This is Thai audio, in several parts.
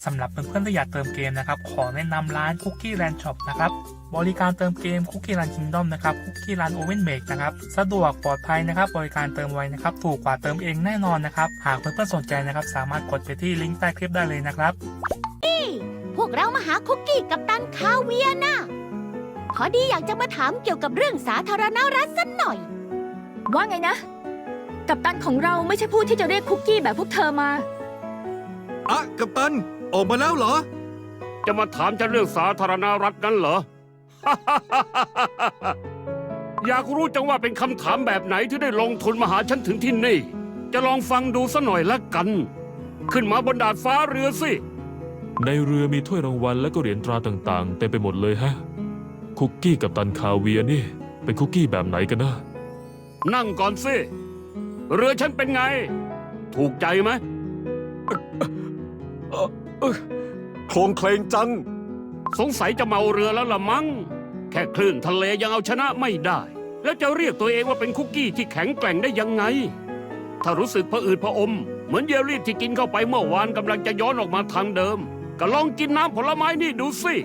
สำหรับเพื่อนๆที่อยากเติมเกมนะครับขอแนะนำร้าน Cookie Land Shop นะครับบริการเติมเกม Cookie Land Kingdom นะครับ Cookie Land Oven Make นะครับสะดวกปลอดภัยนะครับบริการเติมไวนะครับถูกกว่าเติมเองแน่นอนนะครับหากเพื่อนๆสนใจนะครับสามารถกดไปที่ลิงก์ใต้คลิปได้เลยนะครับพวกเรามาหาคุกกี้กัปตันคาเวียร์นะพอดีอยากจะมาถามเกี่ยวกับเรื่องสาธารณรัฐสักหน่อยว่าไงนะกัปตันของเราไม่ใช่ผู้ที่จะเรียกคุกกี้แบบพวกเธอมาอะกัปตันออกมาแล้วเหรอจะมาถามฉันเรื่องสาธารณรัฐนั้นเหรอ อยากรู้จังว่าเป็นคำถามแบบไหนที่ได้ลงทุนมาหาฉันถึงที่นี่จะลองฟังดูซะหน่อยละกัน ขึ้นมาบนดาดฟ้าเรือสิในเรือมีถ้วยรางวัลและก็เหรียญตราต่างๆเต็มไปหมดเลยฮะคุกกี้กัปตันคาเวียร์นี่เป็นคุกกี้แบบไหนกันนะนั่งก่อนสิเรือฉันเป็นไงถูกใจไหมโคลงเคลงจังสงสัยจะเมาเรือแล้วละมั้งแค่คลื่นทะเลยังเอาชนะไม่ได้แล้วจะเรียกตัวเองว่าเป็นคุกกี้ที่แข็งแกร่งได้ยังไงถ้ารู้สึกผะอืดผะอมเหมือนเยลลี่ที่กินเข้าไปเมื่อวานกำลังจะย้อนออกมาทางเดิมก็ลองกินน้ำผลไม้นี่ดูสิ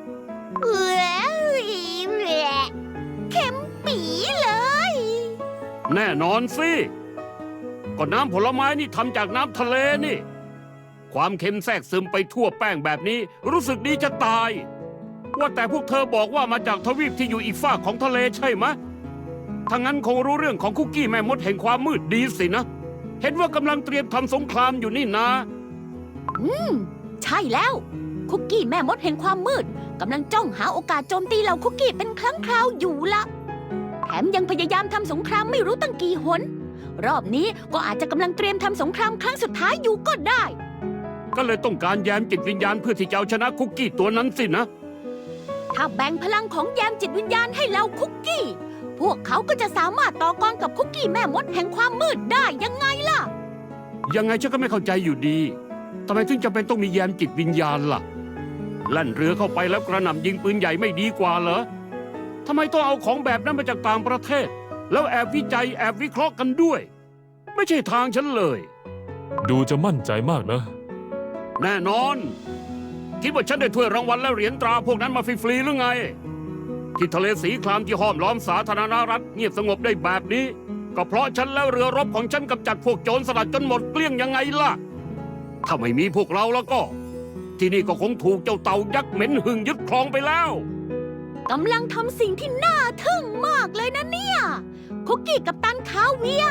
เค็มปีเลยแน่นอนสิก็น้ำผลไม้นี่ทำจากน้ำทะเลนี่ความเค็มแทรกซึมไปทั่วแป้งแบบนี้รู้สึกดีจะตายว่าแต่พวกเธอบอกว่ามาจากทวีปที่อยู่อีกฝากของทะเลใช่ไหมถ้างั้นคงรู้เรื่องของคุกกี้แม่มดแห่งความมืดดีสินะเห็นว่ากำลังเตรียมทำสงครามอยู่นี่นะใช่แล้วคุกกี้แม่มดแห่งความมืดกำลังจ้องหาโอกาสโจมตีเหล่าคุกกี้เป็นครั้งคราวอยู่ละแถมยังพยายามทำสงครามไม่รู้ตั้งกี่หนรอบนี้ก็อาจจะกำลังเตรียมทำสงครามครั้งสุดท้ายอยู่ก็ได้ก็เลยต้องการแยมจิตวิญญาณเพื่อที่จะเอาชนะคุกกี้ตัวนั้นสินะถ้าแบ่งพลังของแยมจิตวิญญาณให้เหล่าคุกกี้พวกเขาก็จะสามารถต่อกรกับคุกกี้แม่มดแห่งความมืดได้ยังไงล่ะยังไงฉันก็ไม่เข้าใจอยู่ดีทำไมถึงจำเป็นต้องมีแยมจิตวิญญาณล่ะลั่นเรือเข้าไปแล้วกระหน่ำยิงปืนใหญ่ไม่ดีกว่าเหรอทำไมต้องเอาของแบบนั้นมาจากต่างประเทศแล้วแอบวิจัยแอบวิเคราะห์กันด้วยไม่ใช่ทางฉันเลยดูจะมั่นใจมากนะแน่นอนคิดว่าฉันได้ถ้วยรางวัลและเหรียญตราพวกนั้นมาฟรีๆหรือไงที่ทะเลสีครามที่ห้อมล้อมสาธารณรัฐเงียบสงบได้แบบนี้ก็เพราะฉันแล้วเรือรบของฉันกำจัดพวกโจรสลัดจนหมดเกลี้ยงยังไงล่ะถ้าไม่มีพวกเราแล้วก็ที่นี่ก็คงถูกเจ้าเต่ายักษ์เหม็นหึ่งยึดครองไปแล้วกำลังทำสิ่งที่น่าทึ่งมากเลยนะเนี่ยคุกกี้กัปตันคาเวียร์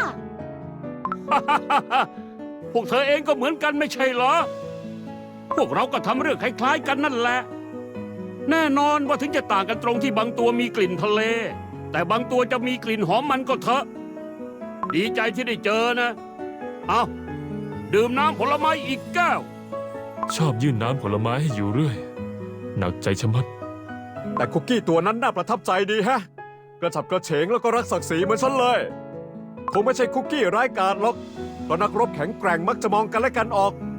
พวกเธอเองก็เหมือนกันไม่ใช่เหรอพวกเราก็ทำเรื่องคล้ายๆกันนั่นแหละแน่นอนว่าถึงจะต่างกันตรงที่บางตัวมีกลิ่นทะเลแต่บางตัวจะมีกลิ่นหอมมันก็เถอะดีใจที่ได้เจอนะเอาดื่มน้ำผลไม้อีกแก้วชอบยื่นน้ำผลไม้ให้อยู่เรื่อยหนักใจชะมัดแต่คุกกี้ตัวนั้นน่าประทับใจดีแฮะกระฉับกระเฉงแล้วก็รักศักดิ์ศรีเหมือนฉันเลยคงไม่ใช่คุกกี้ร้ายกาจหรอกเพราะนักรบแข็งแกร่งมักจะมองกันและกันออก